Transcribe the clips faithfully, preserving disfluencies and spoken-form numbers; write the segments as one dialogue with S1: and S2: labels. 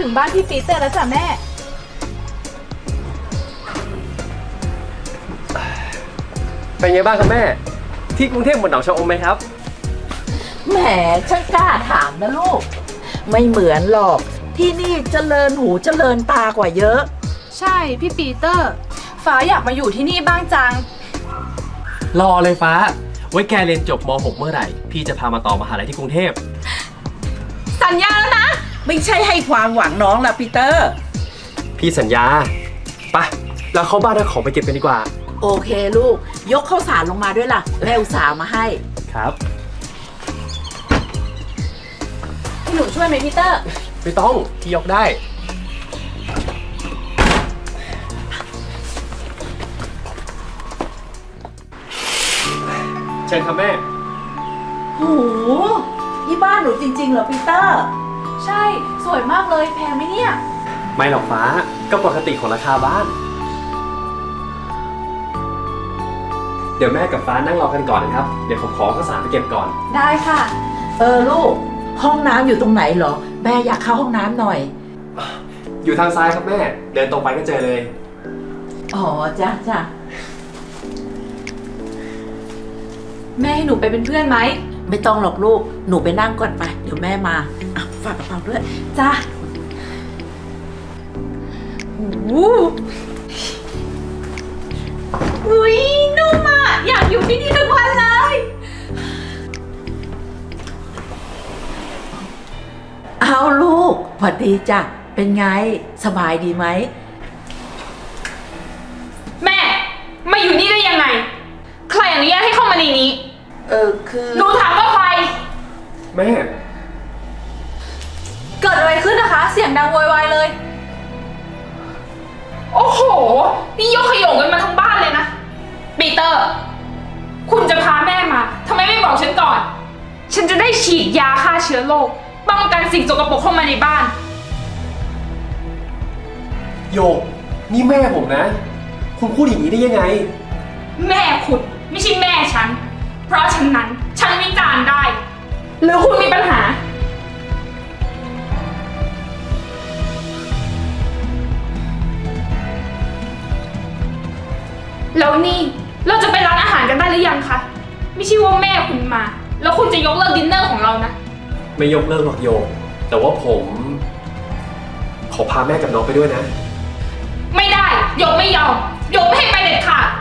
S1: ถึงบ้านพี่ปีเตอร์แล้วจ้ะแม่
S2: เป็นไงบ้างครับแม่ที่กรุงเทพเหมือนหนองชะอมไหมครับ
S3: แหมช่างกล้าถามนะลูกไม่เหมือนหรอกที่นี่เจริญหูเจริญตากว่าเยอะ
S1: ใช่พี่ปีเตอร์ฟ้าอยากมาอยู่ที่นี่บ้างจัง
S2: รอเลยฟ้าไว้แกเรียนจบม หก เมื่อไหร่พี่จะพามาต่อมหาลัยที่กรุงเทพ
S1: สัญญาแล้วนะ
S3: ไม่ใช่ให้ความหวังน้องละปีเตอร์
S2: พี่สัญญาไปเราเข้าบ้านเอาของไปเก็บกันดีกว่า
S3: โอเคลูกยกข้าวสารลงมาด้วยล่ะแม่อุตส่าห์มาให้
S2: ครับ
S1: พี่หนูช่วยไหมพีเตอร์
S2: ไม่ต้องพี่ยกได้เชิญครับแม่
S3: โหนี่บ้านหนูจริงๆเหรอปีเตอร์
S1: ใช่สวยมากเลยแพงไหมเนี่ย
S2: ไม่หรอกฟ้าก็ปกติของราคาบ้านเดี๋ยวแม่กับฟ้านั่งรอกันก่อนนะครับเดี๋ยวผมขอข้าวสารไปเก็บก่อน
S1: ได้ค่ะ
S3: เออลูกห้องน้ำอยู่ตรงไหนเหรอแม่อยากเข้าห้องน้ำหน่อย
S2: อยู่ทางซ้ายครับแม่เดินตรงไปก็เจอเลย
S3: อ๋อจ้ะจ้ะ
S1: แม่ให้หนูไปเป็นเพื่อนไหม
S3: ไม่ต้องหรอกลูกหนูไปนั่งก่อนไปเดี๋ยวแม่มาอ่ะฝากกระเป๋าด้วย
S1: จ้ะโอ้โหอุ้ยนุ่มอ่ะอยากอยู่ที่นี่ทุกวันเลย
S3: เอาลูกสวัสดีจ้ะเป็นไงสบายดีไหม
S4: แม่มาอยู่นี่ได้ยังไงใครอนุญาตให้เข้ามาในนี้
S3: เออคือ
S4: หนูถามว่าใคร
S2: แม่
S1: เกิดอะไรขึ้นนะคะเสียงดังโวยวายเลย
S4: โอ้โหนี่ยกขยงกันมาทั้งบ้านเลยนะปีเตอร์คุณจะพาแม่มาทำไมไม่บอกฉันก่อนฉันจะได้ฉีดยาฆ่าเชื้อโรคป้องกันสิ่งสกปรกเข้ามาในบ้าน
S2: โยกนี่แม่ผมนะคุณพูดอย่างนี้ได้ยังไง
S4: แม่คุณไม่ใช่แม่ฉันเพราะฉะนั้นฉันวิจารณ์ได้หรือคุณมีปัญหาแล้วนี่เราจะไปร้านอาหารกันได้หรือยังคะไม่ใช่ว่าแม่คุณมาแล้วคุณจะยกเลิกดินเนอร์ของเรานะ
S2: ไม่ยกเลิกหรอกโยกแต่ว่าผมขอพาแม่กับน้องไปด้วยนะ
S4: ไม่ได้ยกไม่ยอมยกไม่ให้ไปเด็ดขาด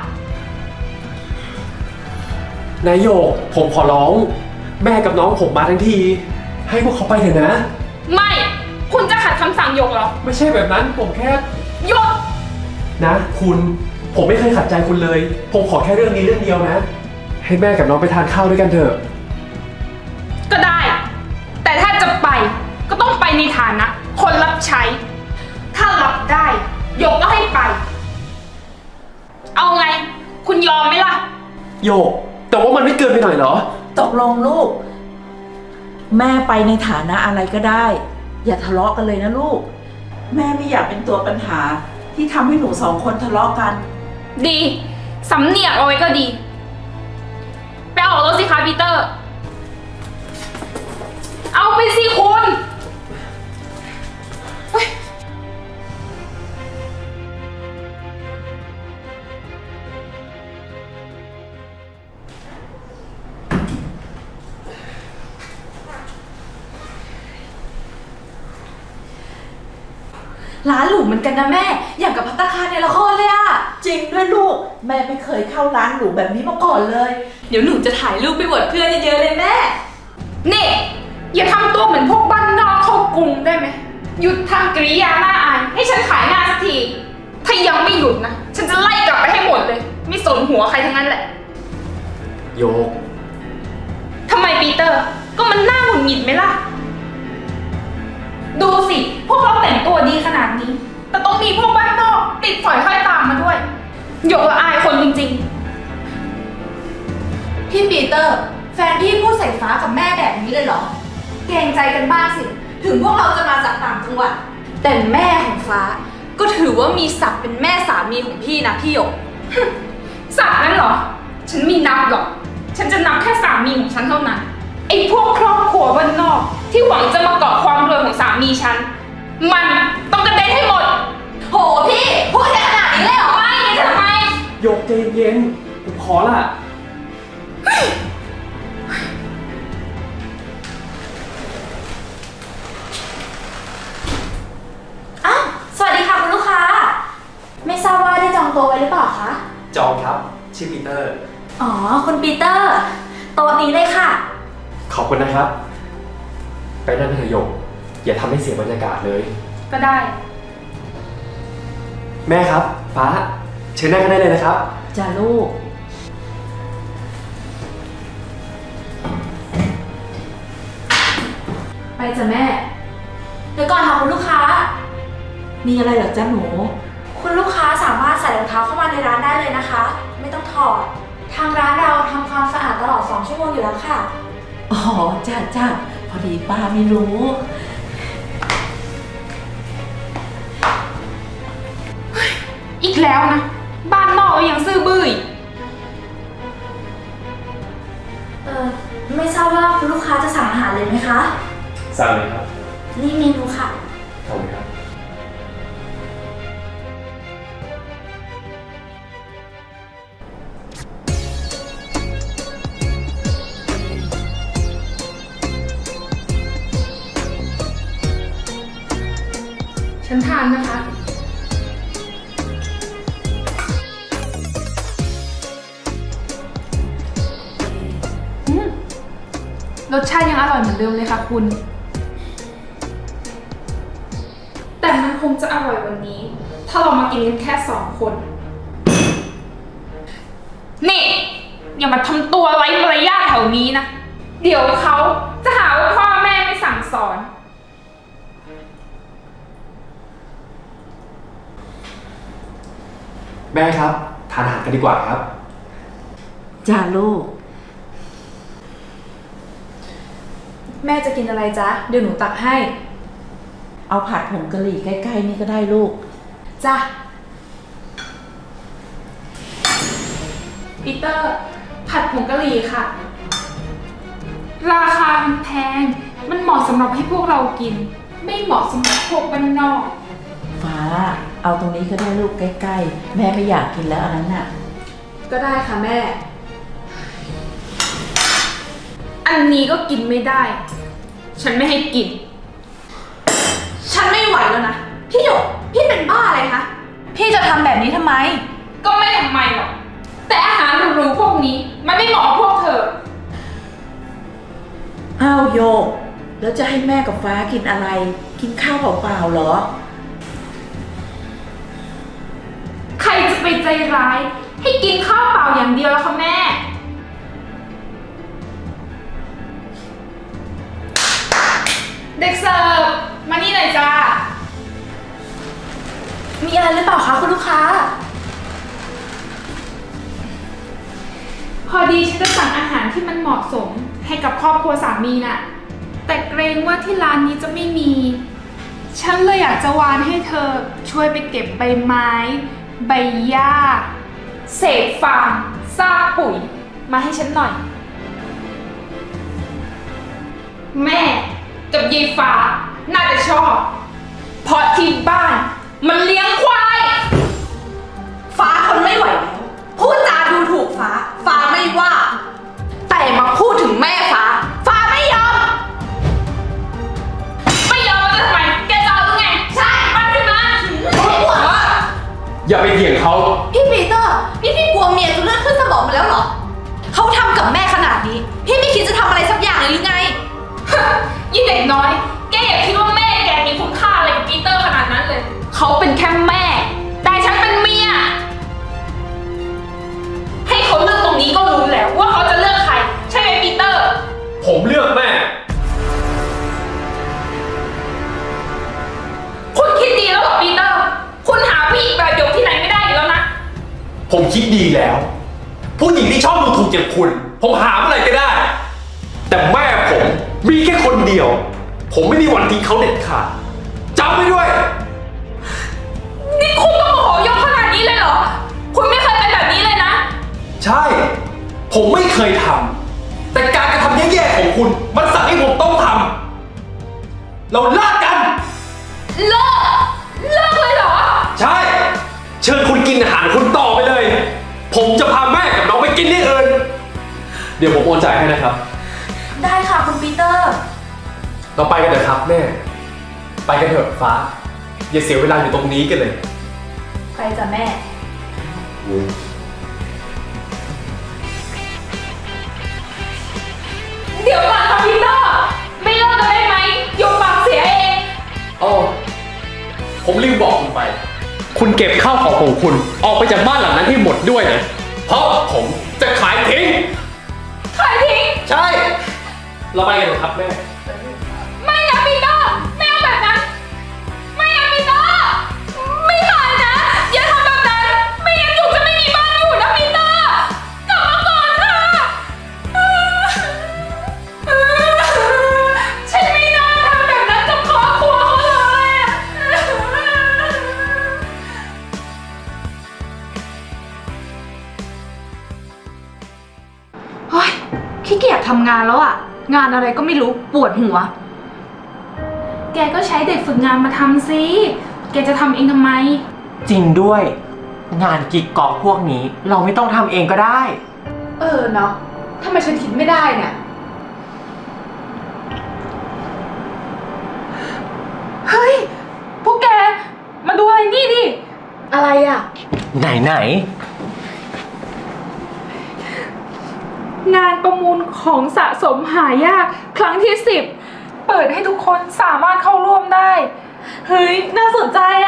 S2: นายโยกผมขอร้องแม่กับน้องผมมาทั้งทีให้พวกเขาไปเถอะนะ
S4: ไม่คุณจะขัดคำสั่งยกเหรอ
S2: ไม่ใช่แบบนั้นผมแค่
S4: ยก
S2: นะคุณผมไม่เคยขัดใจคุณเลยผมขอแค่เรื่องนี้เรื่องเดียวนะให้แม่กับน้องไปทานข้าวด้วยกันเถอะ
S4: ก็ได้แต่ถ้าจะไปก็ต้องไปในฐานะคนรับใช้ถ้ารับได้ยกก็ให้ไปเอาไงคุณยอมไหมล่ะ
S2: โยกแต่ว่ามันไม่เกินไปหน่อยเหรอ
S3: ตกลงลูกแม่ไปในฐานะอะไรก็ได้อย่าทะเลาะกันเลยนะลูกแม่ไม่อยากเป็นตัวปัญหาที่ทำให้หนูสองคนทะเลาะกัน
S4: ดีสำเนียกเอาไว้ก็ดีไปออกรถสิคะปีเตอร์เอาไปสิคุณ
S1: ร้านหรูเหมือนกันนะแม่อย่างกับภัตตาคารในละครเลยอะ
S3: จริงด้วยลูกแม่ไม่เคยเข้าร้านหรูแบบนี้มาก่อนเลย
S1: เดี๋ยวหนูจะถ่ายรูปไปอวดเพื่อนเยอะๆเลยแม่
S4: นี่อย่าทำตัวเหมือนพวกบ้านนอกเข้ากรุงได้ไหมหยุดทำกริยาหน้าอายให้ฉันขายหน้าสักทีถ้ายังไม่หยุดนะฉันจะไล่กลับไปให้หมดเลยไม่สนหัวใครทั้งนั้นแหละ
S2: โยก
S4: ทำไมปีเตอร์ก็มันน่าหงุดหงิดไหมล่ะดูสิพวกเราแต่งตัวดีขนาดนี้แต่ต้องมีพวกบ้านนอกติดฝอยห้อยตามมาด้วยหยกละอายคนจริง
S1: ๆพี่ปีเตอร์แฟนพี่พูดใส่ฟ้ากับแม่แบบนี้เลยเหรอเกรงใจกันบ้างสิถึงพวกเราจะมาจากต่างจังหวัดแต่แม่ของฟ้าก็ถือว่ามีศักดิ์เป็นแม่สามีของพี่นะพี่หยก
S4: ศักดิ์นั่นเหรอฉันไม่นับหรอกฉันจะนับแค่สามีของฉันเท่านั้นไอ้พวกครอบครัวบ้านนอกที่หวังจะมาเกาะความรวยของสามีฉันมันต้องกระเด็นให้หมด
S1: โหพี่พูดแค่ขนาดนี้เลยเหรอ
S4: ไม่จะทำไม
S2: หยกใจเย็นๆผมขอละ
S1: อ้าวสวัสดีค่ะคุณลูกค้า ไม่ทราบว่าได้จองโต๊ะไว้หรือเปล่าคะ
S2: จองครับ ชื่อปีเตอร์
S1: อ๋อคุณปีเตอร์โต๊ะนี้เลยค่ะ
S2: ขอบคุณนะครับ ไปนั่งเถอะหยก อย่าทำให้เสียบรรยากาศเลย
S4: ก็ได้
S2: แม่ครับ ฟ้า เชิญนั่งกันได้เลยนะครับ
S3: จ้าลูก
S1: ไปจ้ะแม่ เดี๋ยวก่อนค่ะคุณลูกค้า
S3: มีอะไรเหรอจ้าหนู
S1: คุณลูกค้าสามารถใส่รองเท้าเข้ามาในร้านได้เลยนะคะ ไม่ต้องถอด ทางร้านเราทำความสะอาดตลอดสองชั่วโมงอยู่แล้วค่ะ
S3: อ๋อจ้าจ้าพอดีป้าไม่รู้
S4: อีกแล้วนะ บ้านนอกก็ยังซื่อบื้ออีก
S1: เออไม่ทราบว่าคุณลูกค้าจะสั่งอาหารเลยไหมคะ
S2: สั่งเลยครับ
S1: นี่เมนูค่ะ
S2: ขอบคุณครับ
S4: ฉันทานนะคะ อืมรสชาติยังอร่อยเหมือนเดิมเลยค่ะคุณ แต่มันคงจะอร่อยกวันนี้ ถ้าเรามากินกันแค่สองคน นี่ อย่ามาทำตัวไร้มารยาทแถวนี้นะ เดี๋ยวเขาจะหาว่าพ่อแม่ไม่สั่งสอน
S2: แม่ครับ ทานอาหารกันดีกว่าครับ
S3: จ้าลูก
S1: แม่จะกินอะไรจ๊ะ เดี๋ยวหนูตักให้
S3: เอาผัดผงกะหรี่ใกล้ๆนี่ก็ได้ลูก
S1: จ้ะ
S4: ปีเตอร์ ผัดผงกะหรี่ค่ะ ราคามันแพง มันเหมาะสำหรับให้พวกเรากิน ไม่เหมาะสำหรับพวกบ้านนอก
S3: ฟ้า เอาตรงนี้ก็ได้ลูกใกล้ๆ แม่ไม่อยากกินแล้วอันนั้นน่ะ
S1: ก็ได้ค่ะแม่
S4: อันนี้ก็กินไม่ได้ ฉันไม่ให้กิน
S1: ฉันไม่ไหวแล้วนะ พี่หยก พี่เป็นบ้าอะไรคะ พี่จะทำแบบนี้ทำไม
S4: ก็ไม่ทำไมหรอก แต่อาหารหรูๆพวกนี้ มันไม่เหมาะกับพวกเธอ
S3: อ้าวโยก แล้วจะให้แม่กับฟ้ากินอะไร กินข้าวเปล่าๆเหรอ
S4: ใครจะไปใจร้าย ให้กินข้าวเปล่าอย่างเดียวแล้วคะแม่ เด็กเสิร์ฟมานี่หน่อยจ้า
S1: มีอะไรหรือเปล่าคะคุณลูกค้า
S4: พอดีฉันจะสั่งอาหารที่มันเหมาะสมให้กับครอบครัวสามีน่ะ แต่เกรงว่าที่ร้านนี้จะไม่มี ฉันเลยอยากจะวานให้เธอช่วยไปเก็บใบไม้ ใบหญ้า เศษฟางซากปุ๋ย มาให้ฉันหน่อย แม่กับยายฟ้าน่าจะชอบ เพราะที่บ้านมันเลี้ยงควาย
S1: ฟ้าทนไม่ไหวแล้ว พูดจาดูถูกฟ้า ฟ้าไม่ว่า แต่มาพูดถึงแม่ฟ้า ฟ้าไม่ยอม
S4: ไม่ยอมแล้วทำไม แกจะเอาหรือไง ใช่มาสิมา
S2: อย่าไปเถียงเขา
S1: พี่ปีเตอร์ นี่พี่กลัวเมียจะเลือดขึ้นสมองมาแล้วเหรอ เขาทำกับแม่ขนาดนี้ พี่ไม่คิดจะทำอะไรสักอย่างเลยหรือไง
S4: ยิ่งเด็กน้อย แกอย่าคิดว่าแม่แกมีคุณค่าอะไรกับปีเตอร์ขนาดนั้นเลย เขาเป็นแค่แม่ แต่ฉันเป็นเมีย ให้เขาเลือกตรงนี้ก็รู้แล้วว่าเขาจะเลือกใคร ใช่ไหมปีเตอร์
S2: ผมเลือกแม่
S4: คุณคิดดีแล้วเหรอปีเตอร์ คุณหาผู้หญิงแบบหยกที่ไหนไม่ได้อีกแล้วนะ
S2: ผมคิดดีแล้ว ผู้หญิงที่ชอบดูถูกอย่างคุณ ผมหาเมื่อไหร่ก็ได้ แต่แม่ผมมีแค่คนเดียว ผมไม่มีวันทิ้งเขาเด็ดขาดจำไว้ด้วย
S4: นี่คุณต้องโมโหยกขนาดนี้เลยเหรอ คุณไม่เคยเป็นแบบนี้เลยนะ
S2: ใช่ ผมไม่เคยทำแต่การกระทำแย่ๆของคุณ มันสั่งให้ผมต้องทำเราเลิกกัน
S4: เลิก เลิกเลยเหรอ
S2: ใช่ เชิญคุณกินอาหารคุณต่อไปเลย ผมจะพาแม่กับน้องไปกินที่อื่น เดี๋ยวผมโอนจ่ายให้นะครับ
S1: ได้ค่ะคุณปีเตอร์
S2: เราไปกันเถอะครับแม่ ไปกันเถอะฟ้า อย่าเสียเวลาอยู่ตรงนี้กันเลย
S1: ไปจ้ะแม่
S4: เดี๋ยวก่อนค่ะพีเตอร์ ไม่เลิกกันได้ไหมหยกปากเสียเอง
S2: อ๋อ ผมลืมบอกคุณไป คุณเก็บข้าวของของคุณ ออกไปจากบ้านหลังนั้นให้หมดด้วยนะ เพราะผมจะขายทิ้ง
S4: ขายทิ้ง
S2: ใช่ เราไปกันเถอะครับแม่
S4: ไม่นะปีเตอร์ไม่เอาแบบนั้น ไม่เอาปีเตอร์ไม่ขายนะ อย่าทำแบบนั้น ไม่งั้นหยกจะไม่มีบ้านอยู่นะปีเตอร์กลับมาก่อนค่ะฉันไม่น่าทำแบบนั้นกับครอบครัวเขาเลยอะ
S1: เฮ้ยขี้เกียจทำงานแล้วอะงานอะไรก็ไม่รู้ปวดหัว
S4: แกก็ใช้เด็กฝึกงานมาทำสิ แกจะทำเองทำไม
S5: จริงด้วย งานกิ๊กก๊อกพวกนี้เราไม่ต้องทำเองก็ได้
S1: เออเนาะทำไมฉันคิดไม่ได้เนี่ย
S4: เฮ้ย พวกแก มาดูอะไรนี่ดิ
S1: อะไรอะ
S5: ไหนไหน
S4: งานประมูลของสะสมหายากครั้งที่สิบเปิดให้ทุกคนสามารถเข้าร่วมได้
S1: เฮ้ยน่าสนใจอะ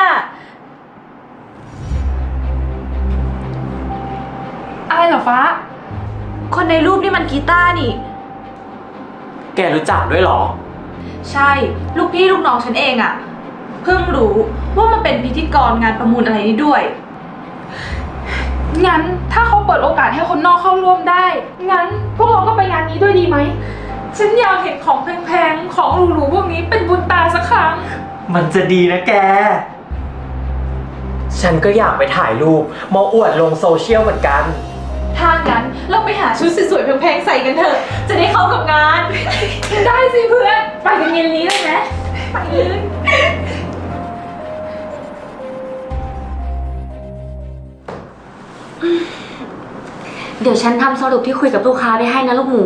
S4: อะไรเหรอฟ้า
S1: คนในรูปนี่มันกีตาร์นี่
S5: แกรู้จักด้วยเหรอ
S1: ใช่ลูกพี่ลูกน้องฉันเองอะเพิ่งรู้ว่ามันเป็นพิธีกรงานประมูลอะไรนี้ด้วย
S4: งั้นถ้าเขาเปิดโอกาสให้คนนอกเข้าร่วมได้ งั้นพวกเราก็ไปงานนี้ด้วยดีไหม ฉันอยากเห็นของแพงๆ ของหรูๆพวกนี้เป็นบุญตาสักครั้ง
S5: มันจะดีนะแก ฉันก็อยากไปถ่ายรูปมาอวดลงโซเชียลเหมือนกัน
S1: ถ้างั้นเราไปหาชุดสวยๆแพงๆใส่กันเถอะ จะได้เข้ากับงาน
S4: ได้สิเพื่อน ไปกันเย็นนี้เลยไหมไปเลย
S6: เดี๋ยวฉันทำสรุปที่คุยกับลูกค้าไปให้นะลูกหมู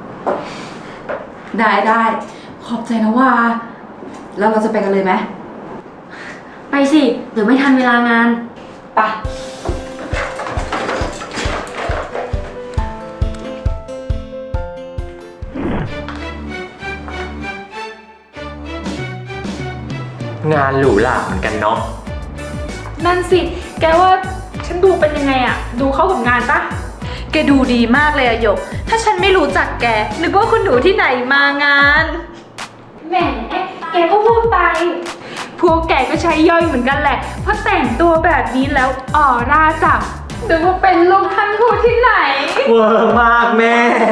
S1: ได้ได้ขอบใจนะว่า แล้วเราจะไปกันเลยไหม
S6: ไปสิ เดี๋ยวไม่ทันเวลางาน
S1: ไปะ
S5: งานหรูหราเหมือนกันเนาะ
S4: นั่นสิ แกว่าฉันดูเป็นยังไงอะดูเข้ากับงานปะ
S1: แกดูดีมากเลยอะหยก ถ้าฉันไม่รู้จักแก นึกว่าคุณหนูที่ไหนมางาน
S4: แหม แกก็พูดไป พวกแกก็ใช้ย่อยเหมือนกันแหละ เพราะแต่งตัวแบบนี้แล้วออร่าจับนึกว่าเป็นลูกท่านทูตที่ไหน
S5: เวอร์มากแม่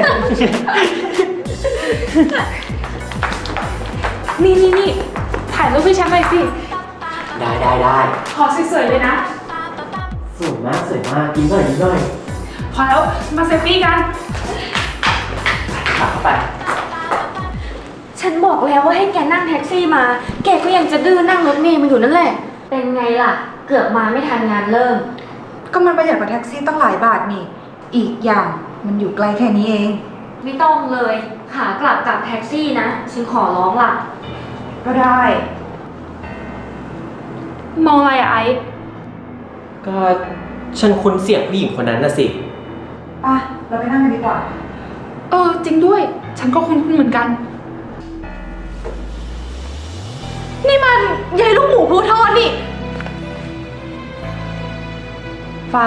S4: นี่นี่นี่ถ่ายรูปให้ฉันหน่อยสิ
S5: ได้ได้ได้
S4: ขอสวยๆเลยนะ
S5: สวยมากสวยมากกินหน่อยกินหน่อย
S4: พอแล้ว มาเซลฟี่กัน
S5: ขาเข้าไป
S6: ฉันบอกแล้วว่าให้แกนั่งแท็กซี่มา แกก็ยังจะดื้อนั่งรถเมล์มาอยู่นั่นแหละ เป็นไงล่ะ เกือบมาไม่ทันงานเริ่ม
S7: ก็มันประหยัดกว่าแท็กซี่ตั้งหลายบาทนี่ อีกอย่างมันอยู่ไกลแค่นี้เอง
S6: ไม่ต้องเลย ขากลับกับแท็กซี่นะ ฉันขอร้องล่ะ
S7: ก็ได้
S4: มองอะไรอะไอซ์
S5: ก็ฉันคุ้นเสียงผู้หญิงคนนั้นน่ะสิ
S7: ป่ะ เราไปนั่งกันดีกว่า
S4: เออ จริงด้วย ฉันก็คุ้นๆเหมือนกัน
S1: นี่มันยายลูกหมูพลูทอดนี่
S7: ฟ้า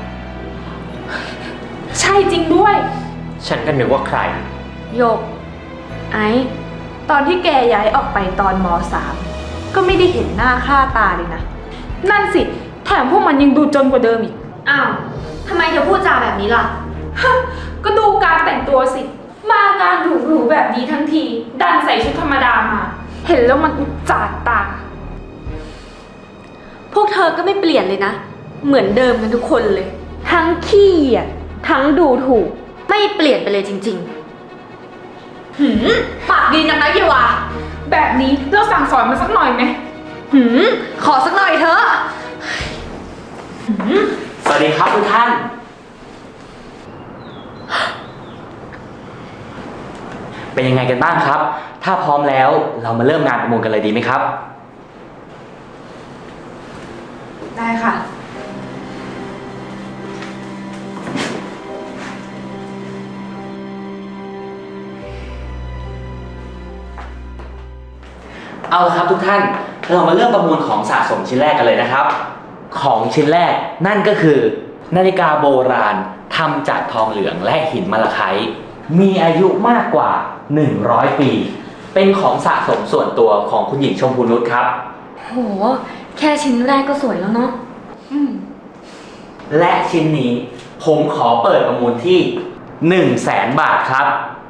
S4: ใช่จริงด้วย
S5: ฉันก็นึกว่าใคร
S1: โยก ไอ้ตอนที่แกย้ายออกไปตอนมสามก็ไม่ได้เห็นหน้าค่าตาเลยนะ
S4: นั่นสิ แถมพวกมันยังดูจนกว่าเดิมอีก
S6: อ้าวทำไมเธอพูดจาแบบนี้ล่ะ
S4: ก็ดูการแต่งตัวสิ มางานหรูๆแบบนี้ทั้งที ดันใส่ชุดธรรมดามา เห็นแล้วมันอุจจาดตา
S6: พวกเธอก็ไม่เปลี่ยนเลยนะ เหมือนเดิมกันทุกคนเลย ทั้งขี้เหยียดทั้งดูถูก ไม่เปลี่ยนไปเลยจริง
S1: หืมปากดีนักนะเยวา
S4: แบบนี้เราสั่งสอนมันสักหน่อยไหม
S6: ๆ
S1: หืม ขอสักหน่อยเถอะ
S5: สวัสดีครับทุกท่าน เป็นยังไงกันบ้างครับ ถ้าพร้อมแล้วเรามาเริ่มงานประมูลกันเลยดีไหมครับ
S7: ได้ค่ะ
S5: เอาละครับทุกท่าน เรามาเริ่มประมูลของสะสมชิ้นแรกกันเลยนะครับ ของชิ้นแรกนั่นก็คือ นาฬิกาโบราณทำจากทองเหลืองและหินมะละไคต์มีอายุมากกว่าหนึ่งร้อยปี เป็นของสะสมส่วนตัวของคุณหญิงชมพูนุชครับ
S6: โห แค่ชิ้นแรกก็สวยแล้วเนาะ
S5: และชิ้นนี้ผมขอเปิดประมูลที่หนึ่งแสนบาทครับ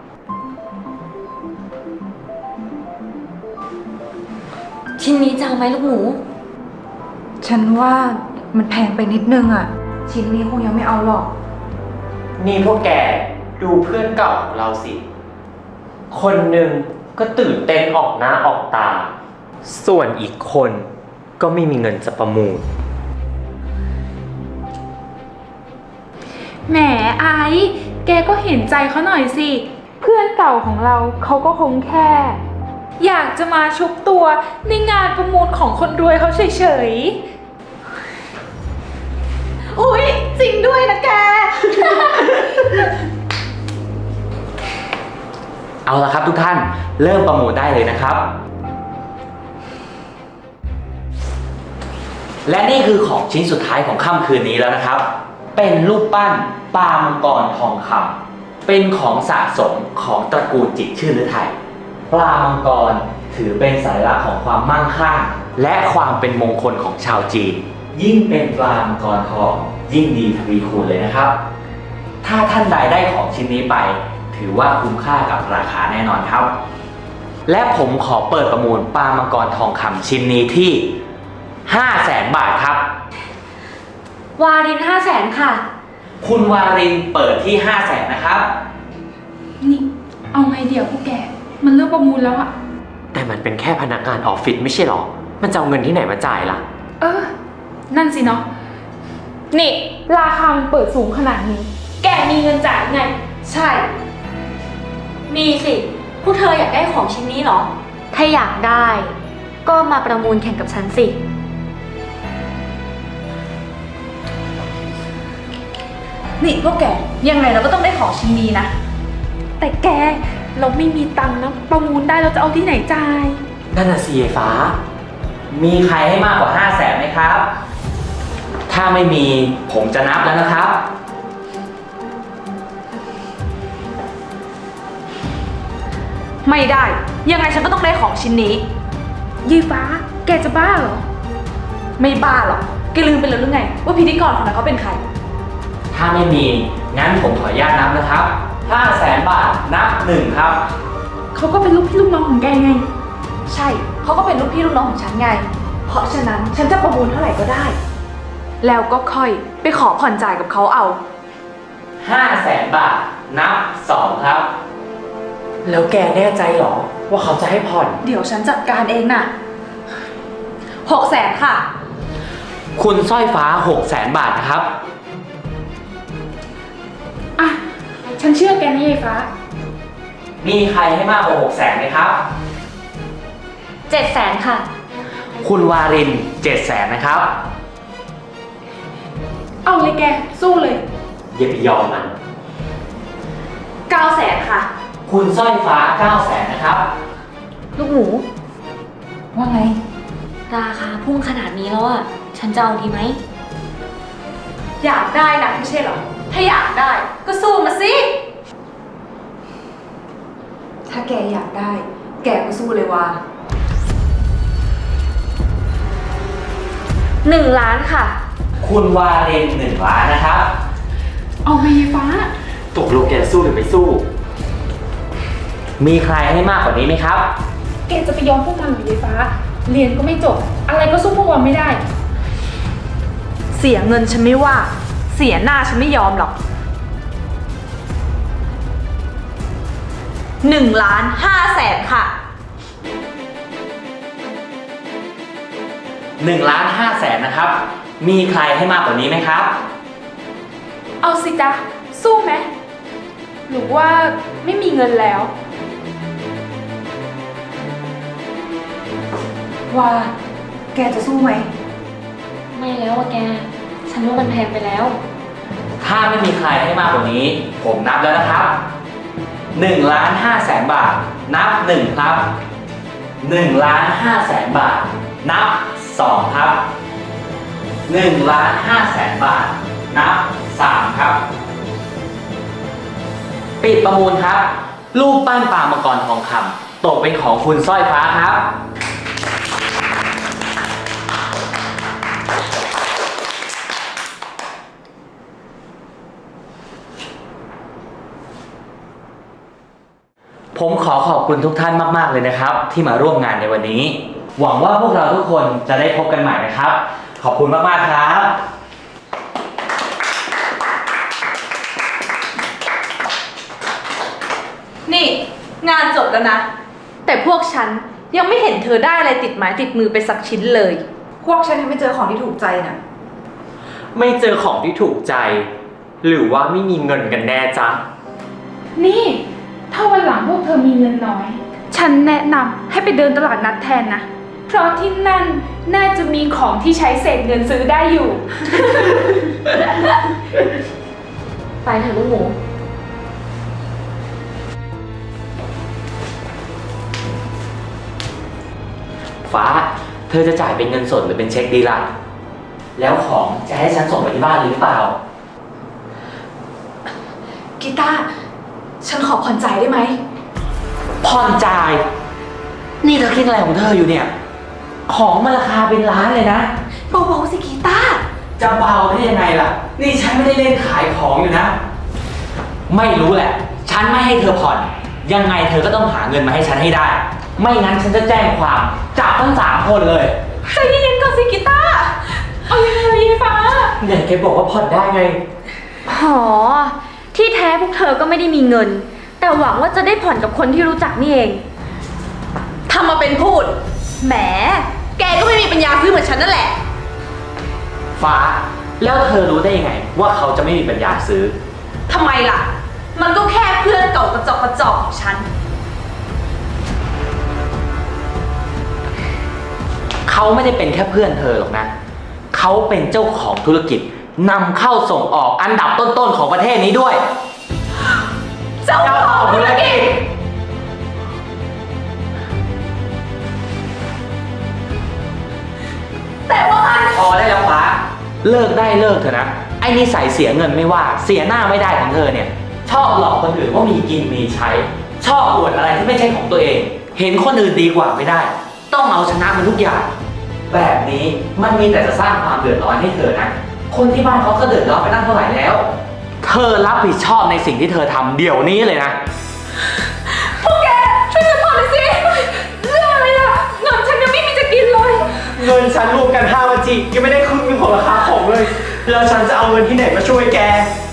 S6: ชิ้นนี้จะเอาไหมลูกหมู
S7: ฉันว่ามันแพงไปนิดนึงอะชิ้นนี้คงยังไม่เอาหรอก
S5: นี่พวกแกดูเพื่อนเก่าของเราสิ คนหนึ่งก็ตื่นเต้นออกหน้าออกตา ส่วนอีกคนก็ไม่มีเงินจะประมูล
S4: แหมไอซ์แกก็เห็นใจเขาหน่อยสิ เพื่อนเก่าของเราเขาก็คงแค่ อยากจะมาชุบตัวในงานประมูลของคนรวยเขาเฉยๆ อุ๊ย จริงด้วยนะแก
S5: เอาละครับทุกท่านเริ่มประมูลได้เลยนะครับ และนี่คือของชิ้นสุดท้ายของค่ำคืนนี้แล้วนะครับ เป็นรูปปั้นปลามังกรทองคำเป็นของสะสมของตระกูลจิตรชื่นฤทัยปลามังกรถือเป็นสัญลักษณ์ของความมั่งคั่งและความเป็นมงคลของชาวจีน ยิ่งเป็นปลามังกรทองยิ่งดีทวีคูณเลยนะครับ ถ้าท่านใดได้ของชิ้นนี้ไป ถือว่าคุ้มค่ากับราคาแน่นอนครับ และผมขอเปิดประมูลปลามังกรทองคำชิ้นนี้ที่ห้าแสนบาทครับ
S6: วารินห้าแสนค่ะ
S5: คุณวารินเปิดที่ห้าแสนนะครับ
S4: นี่ เอาไงเดี๋ยวพวกแก มันเริ่มประมูลแล้วอะ
S5: แต่มันเป็นแค่พนักงานออฟฟิศไม่ใช่หรอ มันจะเอาเงินที่ไหนมาจ่ายล่ะ
S4: เออ นั่นสิเนาะ นี่ ราคามันเปิดสูงขนาดนี้ แกมีเงินจ่ายไง
S1: ใช่
S6: มีสิ พวกเธออยากได้ของชิ้นนี้เหรอ ถ้าอยากได้ ก็มาประมูลแข่งกับฉันสิ
S1: นี่พวกแก ยังไงเราก็ต้องได้ของชิ้นนี้นะ
S4: แต่แก เราไม่มีตังค์นะ ประมูลได้เราจะเอาที่ไหนจ่าย
S5: นั่นน่ะสิไอ้ฟ้า มีใครให้มากกว่าห้าแสนไหมครับ ถ้าไม่มีผมจะนับแล้วนะครับ
S1: ไม่ได้ ยังไงฉันก็ต้องได้ของชิ้นนี้
S4: ยีฟ้า แกจะบ้าเหรอ
S1: ไม่บ้าหรอกแกลืมไปแล้วหรือไง ว่าพิธีกรคนนั้นเขาเป็นใคร
S5: ถ้าไม่มี งั้นผมขออนุญาตนับนะครับห้าแสนบาทนับหนึ่งครับ
S4: เขาก็เป็นลูกพี่ลูกน้องของแกไง
S1: ใช่ เขาก็เป็นลูกพี่ลูกน้องของฉันไง เพราะฉะนั้นฉันจะประมูลเท่าไหร่ก็ได้ แล้วก็ค่อยไปขอผ่อนจ่ายกับเขาเอา
S5: ห้าแสนบาทนับสองครับ แล้วแกแน่ใจหรอ ว่าเขาจะให้ผ่อน
S1: เดี๋ยวฉันจัดการเองน่ะหกแสนค่ะ
S5: คุณสร้อยฟ้าหกแสนบาทนะครับ
S4: อ่ะ ฉันเชื่อแกนะยีฟ้า
S5: มีใครให้มากกว่าหกแสนไหมครับ
S6: เจ็ดแสนค่ะ
S5: คุณวารินเจ็ดแสนนะครับ
S4: เอาเลยแก สู้เลย
S5: อย่าไปยอมมัน
S1: เก้าแสนค่ะ
S5: คุณสร้อยฟ้าเก้าแสนนะครับ
S6: ลูกหมู
S7: ว่าไง
S6: ราคาพุ่งขนาดนี้แล้วอะฉันจะเอาดีไหม
S1: อยากได้นะไม่ใช่เหรอ ถ้าอยากได้ก็สู้มาสิ
S7: ถ้าแกอยากได้ แกก็สู้เลยว่า
S6: หนึ่งล้านค่ะ
S5: คุณวารินหนึ่งล้านนะครับ
S4: เอาไหมยีฟ้า
S5: ตกลงแกสู้หรือไม่สู้ มีใครให้มากกว่านี้ไหมครับ
S4: แกจะไปยอมพวกมันหรือยีฟ้า เรียนก็ไม่จบ อะไรก็สู้พวกมันไม่ได้
S1: เสียเงินฉันไม่ว่า เสียหน้าฉันไม่ยอมหรอกหนึ่งล้านห้าแสนค่ะ
S5: หนึ่งล้านห้าแสนนะครับ มีใครให้มากกว่านี้ไหมครับ
S4: เอาสิจ๊ะ สู้ไหมหรือว่าไม่มีเงินแล้ว
S7: ว่า แกจะสู้ไหม
S6: ไม่แล้วอะแก ฉันว่ามันแพงไปแล้ว
S5: ถ้าไม่มีใครให้มากกว่านี้ ผมนับแล้วนะครับหนึ่งล้านห้าแสนบาท นับหนึ่งครับหนึ่งล้านห้าแสนบาท นับสองครับหนึ่งล้านห้าแสนบาท นับสามครับ ปิดประมูลครับ รูปปั้นปลามังกรทองคำตกเป็นของคุณสร้อยฟ้าครับ ผมขอขอบคุณทุกท่านมาก ๆ เลยนะครับ ที่มาร่วมงานในวันนี้ หวังว่าพวกเราทุกคนจะได้พบกันใหม่นะครับ ขอบคุณมาก ๆ ครับ
S1: นี่งานจบแล้วนะ แต่พวกฉันยังไม่เห็นเธอได้อะไรติดไม้ติดมือไปสักชิ้นเลย
S7: พวกฉันยังไม่เจอของที่ถูกใจน่ะ
S8: ไม่เจอของที่ถูกใจ หรือว่าไม่มีเงินกันแน่จ๊ะ
S4: นี่ ถ้าวันหลังพวกเธอมีเงินน้อย ฉันแนะนำให้ไปเดินตลาดนัดแทนนะ เพราะที่นั่นน่าจะมีของที่ใช้เศษเงินซื้อได้อยู่
S6: ไปเถอะลูกหมู
S5: ฟ้า เธอจะจ่ายเป็นเงินสดหรือเป็นเช็คดีล่ะ แล้วของจะให้ฉันส่งไปที่บ้านหรือเปล่า
S1: กีตาร์ฉันขอผ่อนจ่ายได้ไหม
S5: ผ่อนจ่าย นี่เธอคิดอะไรของเธออยู่เนี่ย ของมันราคาเป็นล้านเลยนะ
S1: เบาๆสิกีตาร์
S5: จะเบาได้ยังไงล่ะ นี่ฉันไม่ได้เล่นขายของอยู่นะ ไม่รู้แหละ ฉันไม่ให้เธอผ่อน ยังไงเธอก็ต้องหาเงินมาให้ฉันให้ได้ ไม่งั้นฉันจะแจ้งความจับทั้งสามคนเลย
S1: ใจเย็นๆก่อนสิกีตาร์
S4: เอายังไงยายฟ้า
S5: เนี่ยแกบอกว่าผ่อนได้ไง
S6: หอ ที่แท้พวกเธอก็ไม่ได้มีเงิน แต่หวังว่าจะได้ผ่อนกับคนที่รู้จักนี่เอง
S1: ทำมาเป็นพูด แหม แกก็ไม่มีปัญญาซื้อเหมือนฉันนั่นแหละ
S5: ฟ้า แล้วเธอรู้ได้ยังไง ว่าเขาจะไม่มีปัญญาซื้อ
S1: ทำไมล่ะ มันก็แค่เพื่อนเก่ากระจอกกระจอกของฉัน
S5: เขาไม่ได้เป็นแค่เพื่อนเธอหรอกนะ เขาเป็นเจ้าของธุรกิจนำเข้าส่งออกอันดับต้นๆของประเทศนี้ด้วย
S1: เจ้าของธุรกิจ แต่ว่ามัน
S5: พอได้แล้วฟ้า เลิกได้เลิกเถอะนะ ไอ้นิสัยเสียเงินไม่ว่า เสียหน้าไม่ได้ของเธอเนี่ย ชอบหลอกคนอื่นว่ามีกินมีใช้ ชอบอวดอะไรที่ไม่ใช่ของตัวเอง เห็นคนอื่นดีกว่าไม่ได้ ต้องเอาชนะมันทุกอย่าง แบบนี้มันมีแต่จะสร้างความเดือดร้อนให้เธอนะ คนที่บ้านเขาก็เดือดร้อนไปตั้งเท่าไหร่แล้ว เธอรับผิดชอบในสิ่งที่เธอทำเดี๋ยวนี้เลยนะ
S4: พวกแกช่วยฉันผ่อนหน่อยสิ เรื่องอะไรล่ะ เงินฉันยังไม่มีจะกินเลย
S8: เงินฉันรวมกันห้าวันจียังไม่ได้ครึ่งหนึงของราคาของเลย แล้วฉันจะเอาเงินที่ไหนมาช่วยแก